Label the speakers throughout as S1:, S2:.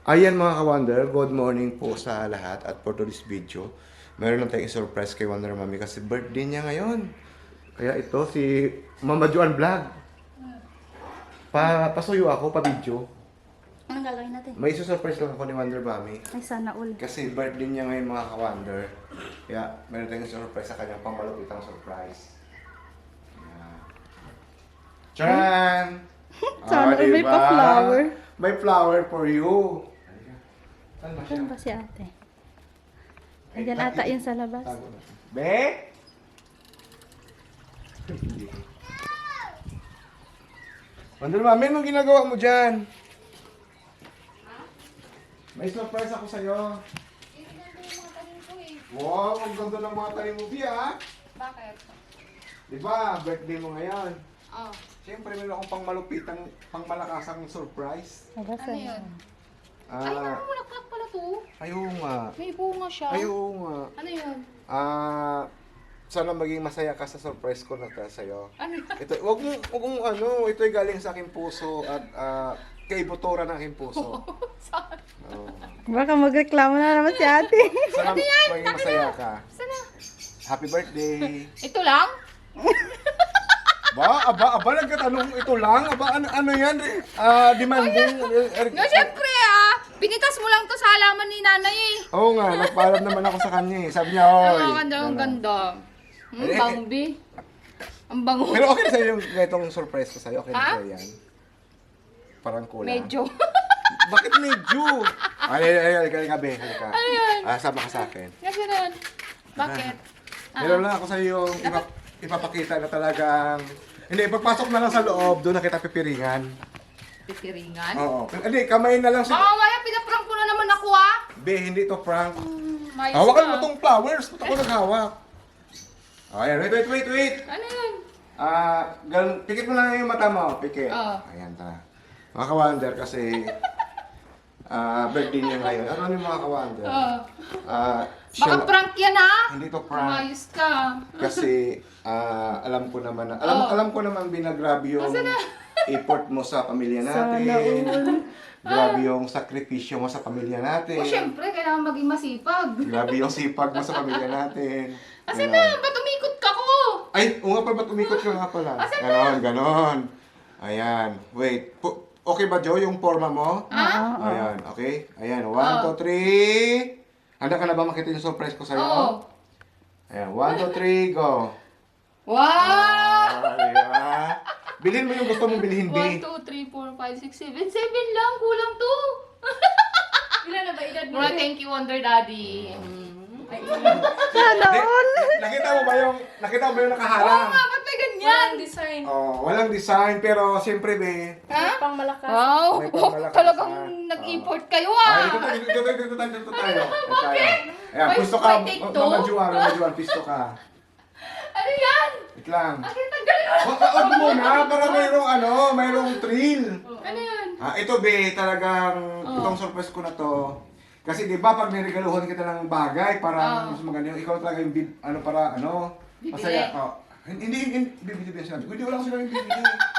S1: Ayan mga ka-Wonder, good morning po sa lahat at for today's video, meron lang tayong surprise kay Wonder Mami kasi birthday niya ngayon. Kaya ito si Mama Juan Vlog. Pasuyo ako, pa-video.
S2: Anong gagawin natin?
S1: May surprise lang ako ni Wonder Mami.
S2: Ay, sana all.
S1: Kasi birthday niya ngayon mga ka-Wonder. Kaya meron tayong surprise sa kanyang pangmalupitang surprise. Ayan. Charan!
S2: Sana all may pa-flower.
S1: May flower for you. Saan ba siya?
S2: Saan ba si ate? Ayan ata yun sa labas.
S1: Tago na. Be? Wonder Mami, anong ginagawa mo dyan? May surprise ako sa'yo. Wow, ang ganda ng mga tanim mo, Bia.
S3: Bakit?
S1: Di ba, birthday mo ngayon.
S3: Oh.
S1: Siyempre, meron akong pangmalakasang surprise.
S2: Labas
S3: Ano yun? Ay,
S1: Ah,
S3: namulaklak pala to.
S1: ayaw nga.
S3: May bunga siya.
S1: Ayaw nga.
S3: Ano yun?
S1: Sana maging masaya ka sa surprise ko na sa'yo.
S3: Ano yun?
S1: Ito, wag mong ano, ito'y galing sa aking puso at kay Botora ng aking puso.
S3: Saan?
S1: Oh.
S2: Baka magreklamo na naman si ate.
S1: Sana maging masaya ka.
S3: Sana?
S1: Happy birthday.
S3: Ito lang?
S1: Aba, nagkatanong ito lang. Aba, ano yan? Demanding.
S3: No, syempre Pinitas mo lang to sa halaman ni nanay eh.
S1: Oo nga, nagpaalam naman ako sa kanya eh. Sabi niya, oy.
S3: Ang ganda, ang ganda. Bambi. Ang bango.
S1: Pero okay na sa'yo yung ganitong surprise ko sa'yo. Okay na sa'yo yan. Parang kulang.
S3: Medyo.
S1: Bakit medyo? Ay, gabi. Halika.
S3: Ano yan?
S1: Sama ka sa akin.
S3: Kasi nun. Bakit?
S1: Meron lang ako sa'yo yung ipapakita na talagang... Hindi, pagpasok na lang sa loob, doon na kita pipiringan.
S3: Pipiringan?
S1: Oo. Hindi, kamay na lang
S3: Baka
S1: sa...
S3: mamaya pinaprank mo na naman ako
S1: Be, hindi to prank.
S3: Mayos
S1: Hawakan
S3: ka.
S1: mo tong flowers. Ba't ako naghawak? Ayan, wait.
S3: Ano yun?
S1: Pikit mo lang yung mata mo. Pikit.
S3: Oo.
S1: Ayan, tara. Mga ka-wonder kasi... birthday niya ngayon. Ano yung mga ka-wonder?
S3: Baka prank yan
S1: Hindi to prank.
S3: Mayos ka.
S1: Kasi alam ko naman na alam ko naman binagrabe yung effort mo sa pamilya natin. Grabe yung sakripisyo mo sa pamilya natin.
S3: O syempre, kailangan maging masipag.
S1: Grabe yung sipag mo sa pamilya natin.
S3: Asa
S1: Ganon.
S3: na? Ba't umikot ka ko?
S1: Ay, nga pala, ba't umikot ka nga pala? Ganon. Ayan. Wait. Okay ba, Joe, yung forma mo? Ayan, okay? Ayan, 1, 2, 3. Handa ka na ba makita yung surprise ko sa'yo?
S3: Oo.
S1: Ayan, 1, 2, 3, go.
S3: Wow!
S1: Diba? Bilhin mo yung gusto mong bilhin,
S3: 1,
S1: B.
S3: 2, 3, 4, 5, 6, 7. 7 lang. Kulang to.
S4: Ilan na ba edad mo?
S3: Mura, thank you, Wonder Daddy.
S2: Sana all.
S1: Nakita mo ba yung
S3: Oo
S1: nakaharang?
S3: nga, ba't may ganyan?
S4: Walang design.
S1: Oh, walang design, pero siyempre, be.
S3: Ha?
S4: Pang malakas.
S3: Wow!
S1: May pangmalakas
S3: Talagang
S1: na.
S3: nag-import kayo
S1: Ay, dito tayo.
S3: Bakit?
S1: Ayan,
S3: May-
S1: pisto ka.
S3: may take two?
S1: Mama Juan, pisto ka.
S3: Ano yan?
S1: Wait lang.
S3: Bakit ang galing?
S1: Wag mo na, para mayroong thrill.
S3: Ano yan?
S1: Ito, be, talagang itong surprise ko na to. Kasi di ba pag niregaluhan kita ng bagay, parang mas maganda yung ikaw talaga yung
S3: Bibili.
S1: masaya. Hindi, bibili sinabi. Hindi, wala ko sila yung bibili.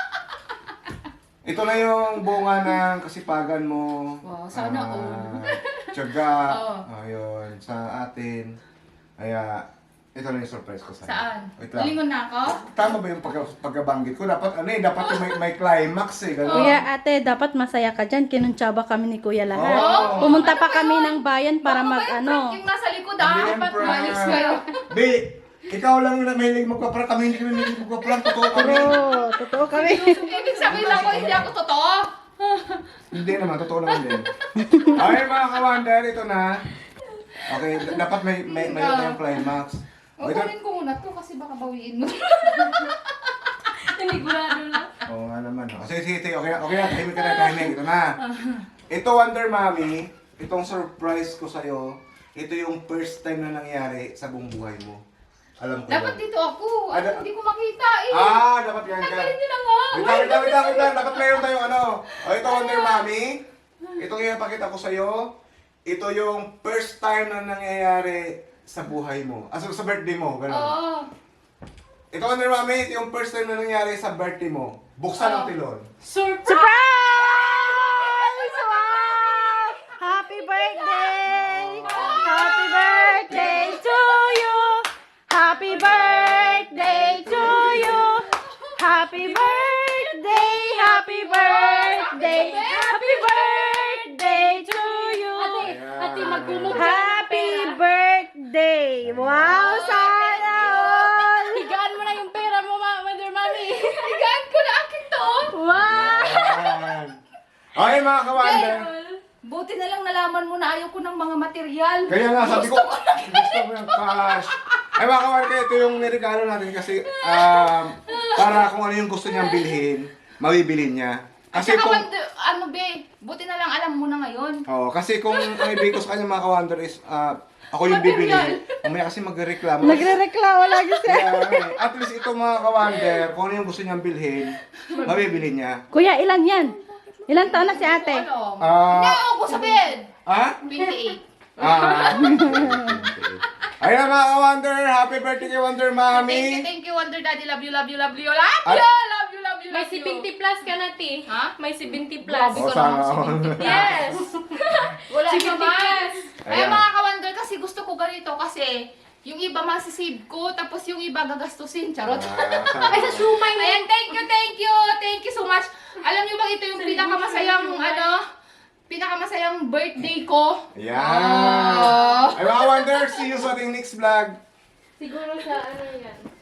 S1: Ito na yung bunga ng kasipagan mo.
S3: Wow, sana all.
S1: Tiyaga.
S3: Oo.
S1: Ayun, sa atin. Kaya, ito na yung surprise ko sa'yo.
S3: Saan?
S1: Wait lang.
S3: Lingon na ako?
S1: Tama ba yung pagkabanggit ko? Dapat dapat yung may climax eh. Ganun.
S2: Kuya ate, dapat masaya ka dyan. Kinuntsaba kami ni kuya lahat.
S1: Oo.
S2: Pumunta pa kami ng bayan para
S3: Baka
S2: mag
S3: may
S2: ano.
S3: prank yung nasa likod
S1: Hindi yan
S3: Dapat
S1: prank.
S3: malis kayo.
S1: Be, ikaw lang yung mahilig magpa-prank. Kami hindi kami mahilig magpa-prank. Totoo kami.
S2: Pero, totoo kami.
S3: Ibig sabihin lang ko, hindi ako totoo.
S1: Hindi naman, totoo naman din. Okay mga ka-wonder, ito na. Okay, dapat may yung climax.
S3: O,
S1: Ito.
S3: kunin ko muna to kasi baka bawiin mo.
S4: Nanigurado lang.
S1: Oo nga naman. Sige. Okay na. Tahimik ka na. Ito na. Ito, Wonder Mommy, itong surprise ko sa'yo, ito yung first time na nangyari sa buong buhay mo. Alam ko
S3: Dapat
S1: yun.
S3: dito ako. Hindi ko makita eh.
S1: Dapat yan ka.
S3: Tanggalin nyo na nga.
S1: Wait lang. Dapat mayroon tayong ito, Wonder Mommy. Itong ipakita ko sa'yo. Ito yung first time na nangyayari sa buhay mo. Sa birthday mo. Ganun.
S3: Oo.
S1: Ito, Wonder Mommy, ito yung first time na nangyayari sa birthday mo. Buksan ang tilon.
S4: Surprise!
S2: Surprise! Wow!
S3: kumot
S2: Happy birthday! Wow, sana all!
S3: Higaan mo na yung pera mo, Mother Mommy. Higaan ko na akin to.
S2: Wow!
S1: Ayan. Okay mga kawander.
S4: Buti na lang nalaman mo na ayaw ko ng mga material.
S1: Kaya nga sabi ko, gusto ko yung cash. Ay mga kawander, kaya ito yung niregalo natin kasi para kung ano yung gusto niyang bilhin, mabibili niya. Kasi
S4: Saka,
S1: kung...
S4: ano be, buti na lang alam mo na ngayon.
S1: Oo, kasi kung ang ibig ko sa kanya mga kawander is, ako yung bibili. Mamaya kasi magreklamo.
S2: Nagre-reklamo lagi siya.
S1: Kaya, at least ito mga kawander, kung ano yung gusto niyang bilhin, mabibili niya.
S2: Kuya, ilan yan? Ilan taon na si ate?
S4: Ano?
S1: Ah,
S4: Nao ko sa bed.
S1: 28.
S4: 28.
S1: Ayun mga ka-Wonder, happy birthday kay Wonder Mommy.
S4: Thank you, Wonder Daddy. Love you, love you, love you, love
S1: At-
S4: you, love you, love you,
S3: May
S4: love you.
S3: 70 plus ka na, Ti.
S4: Ha?
S3: May 70 plus.
S4: Grabe
S1: Oh,
S4: ka naman
S1: sana
S4: si
S1: all.
S4: Binti.
S3: Yes.
S4: Wala
S3: 70
S4: naman.
S3: plus.
S4: Ay,
S1: Ayan.
S4: mga ka-Wonder, kasi gusto ko ganito kasi yung iba masisave ko, tapos yung iba gagastusin. Charot.
S3: Ay, sa shumay mo.
S4: Ayan, thank you so much. Alam niyo ba ito yung pinakamasayang, pinakamasayang birthday ko?
S1: Ayan.
S4: Ah.
S1: Ay mga ka-Wonder, see you sa ating next vlog.
S3: Siguro sa ano yan.